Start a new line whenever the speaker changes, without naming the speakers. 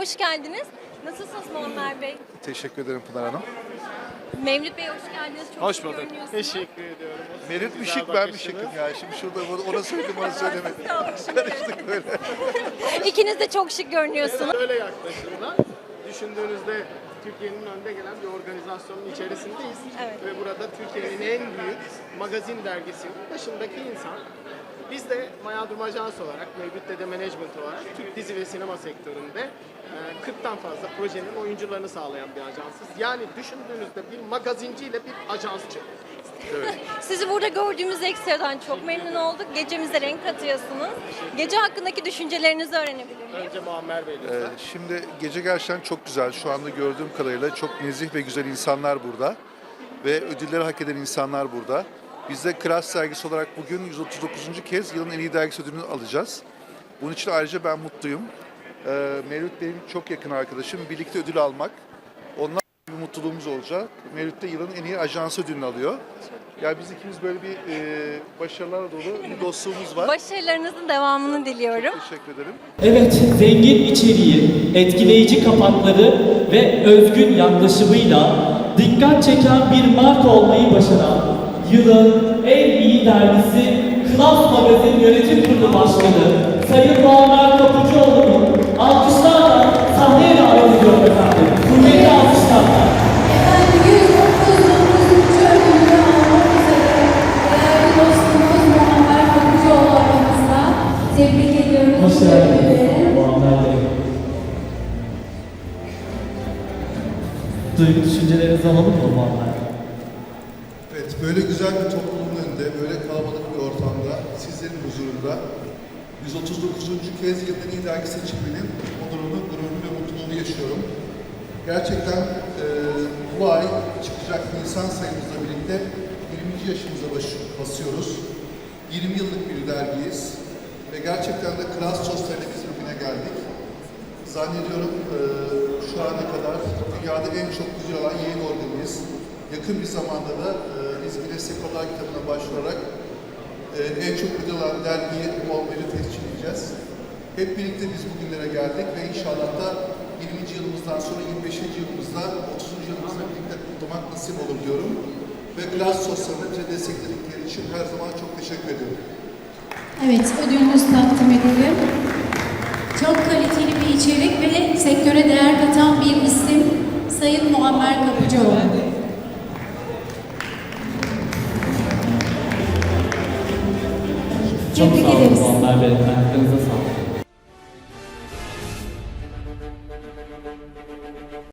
hoş geldiniz. Nasılsınız Muammer Bey?
Teşekkür ederim Pınar Hanım.
Mevlüt Bey hoş geldiniz. Çok
Hoş
şık
bulduk.
görünüyorsunuz.
Teşekkür ediyorum.
Merit mi
Güzel
şık ben mi
bakışınız.
şıkım ya? Şimdi şurada ona söyledim ona söylemedim.
Sağlık şimdi.
Karıştık böyle.
İkiniz de çok şık görünüyorsunuz.
Öyle yaklaşımda düşündüğünüzde Türkiye'nin önde gelen bir organizasyonun içerisindeyiz.
Evet.
Ve burada Türkiye'nin en büyük magazin dergisinin başındaki insan. Biz de Maya Durum Ajans olarak, Mevlüt Dede Management olarak Türk dizi ve sinema sektöründe 40'tan fazla projenin oyuncularını sağlayan bir ajansız. Yani düşündüğünüzde bir magazinciyle bir ajansçı.
Sizi burada gördüğümüz ekstradan çok memnun olduk. Gecemize renk katıyorsunuz. Gece hakkındaki düşüncelerinizi öğrenebilir miyim?
Önce Muammer Bey lütfen.
Şimdi gece gerçekten çok güzel. Şu anda gördüğüm kadarıyla çok nezih ve güzel insanlar burada. Ve ödülleri hak eden insanlar burada. Biz de Kras dergisi olarak bugün 139. kez yılın en iyi dergisi ödülünü alacağız. Bunun için ayrıca ben mutluyum. Mevlüt benim çok yakın arkadaşım. Birlikte ödül almak. Ondan bir mutluluğumuz olacak. Mevlüt de yılın en iyi ajans ödülünü alıyor. Ya biz ikimiz böyle bir başarılarla dolu bir dostluğumuz var.
Başarılarınızın devamını diliyorum.
Teşekkür ederim.
Evet, zengin içeriği, etkileyici kapakları ve özgün yaklaşımıyla dikkat çeken bir marka olmayı başaran yılın en iyi dergisi Klas Magazin Yönetim Kurulu Başkanı Sayın Muammer Kapıcıoğlu'nu alkışlarla sahneye davet ediyorum efendim. Kuvvetli alkışlarla.
Efendim 139. ödülünü almak üzere değerli dostumuz Muammer Kapıcıoğlu aramızda. Tebrik ediyorum.
Hoş geldiniz Muammer Bey. Duygu düşüncelerinizi alalım mı Muammer?
Evet, böyle güzel bir toplumun önünde, böyle kalabalık bir ortamda, sizlerin huzurunda 139. kez yılın iyi dergi seçiminin onurunu, gururunu ve mutluluğunu yaşıyorum. Gerçekten bu ay çıkacak insan sayımızla birlikte 20. yaşımıza basıyoruz. 20 yıllık bir dergiyiz ve gerçekten de Kras Sosyal'le biz bugüne geldik. Zannediyorum şu ana kadar dünyada en çok güzel olan yayın organıyız. Yakın bir zamanda da biz Guinness Rekorlar kitabına başvurarak en çok ödül alan dergiyi Muammer'i tescil edeceğiz. Hep birlikte biz bugünlere geldik ve inşallah da 20. yılımızdan sonra 25. yılımızda 30. yılımızda birlikte kutlamak nasip olur diyorum. Ve Glass Sosyal'da bize destekledikleri için her zaman çok teşekkür ediyorum.
Evet, ödülünüz takdim edelim. Çok kaliteli bir içerik ve sektöre değer katan bir isim Sayın Muammer Kapıcıoğlu.
Çok
Tebrik
sağ olun
ederiz.
Muammer Bey.